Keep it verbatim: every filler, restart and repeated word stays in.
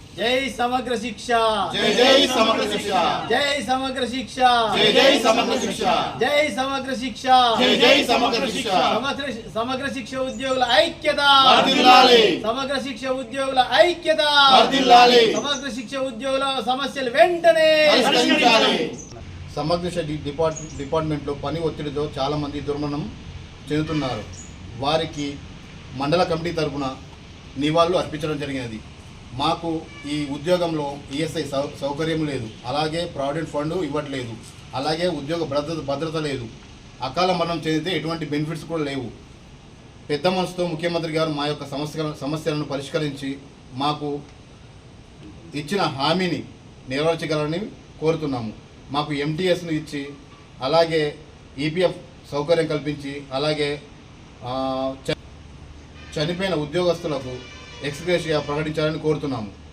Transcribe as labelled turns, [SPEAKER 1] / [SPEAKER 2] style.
[SPEAKER 1] జై సమగ్ర శిక్ష
[SPEAKER 2] జై జై సమగ్ర శిక్ష
[SPEAKER 1] జై సమగ్ర శిక్ష
[SPEAKER 2] జై జై సమగ్ర శిక్ష
[SPEAKER 1] జై సమగ్ర శిక్ష
[SPEAKER 2] జై జై సమగ్ర శిక్ష
[SPEAKER 1] సమగ్ర సమగ్ర శిక్ష ఉద్యోగుల ఐక్యత
[SPEAKER 2] వర్ధిల్లాలి
[SPEAKER 1] సమగ్ర శిక్ష ఉద్యోగుల ఐక్యత
[SPEAKER 2] వర్ధిల్లాలి
[SPEAKER 1] సమగ్ర శిక్ష ఉద్యోగుల సమస్యలు వెంటనే
[SPEAKER 2] పరిష్కరించాలి.
[SPEAKER 3] సమగ్ర శిక్ష డిపార్ట్ డిపార్ట్మెంట్లో పని ఒత్తిడితో చాలామంది దుర్మరణం చెందుతున్నారు. వారికి మండల కమిటీ తరఫున నివాళులు అర్పించడం జరిగినది. మాకు ఈ ఉద్యోగంలో ఈఎస్ఐ సౌ సౌకర్యం లేదు, అలాగే ప్రావిడెంట్ ఫండ్ ఇవ్వట్లేదు, అలాగే ఉద్యోగ భద్రత భద్రత లేదు. అకాల మరణం చెందితే ఎటువంటి బెనిఫిట్స్ కూడా లేవు. పెద్ద మనసుతో ముఖ్యమంత్రి గారు మా యొక్క సమస్య సమస్యలను పరిష్కరించి మాకు ఇచ్చిన హామీని నెరవేర్చగలరని కోరుతున్నాము. మాకు ఎంటీఎస్ను ఇచ్చి అలాగే ఈపీఎఫ్ సౌకర్యం కల్పించి అలాగే చనిపోయిన ఉద్యోగస్తులకు ఎక్స్గ్రేషియా ప్రకటించాలని కోరుతున్నాము.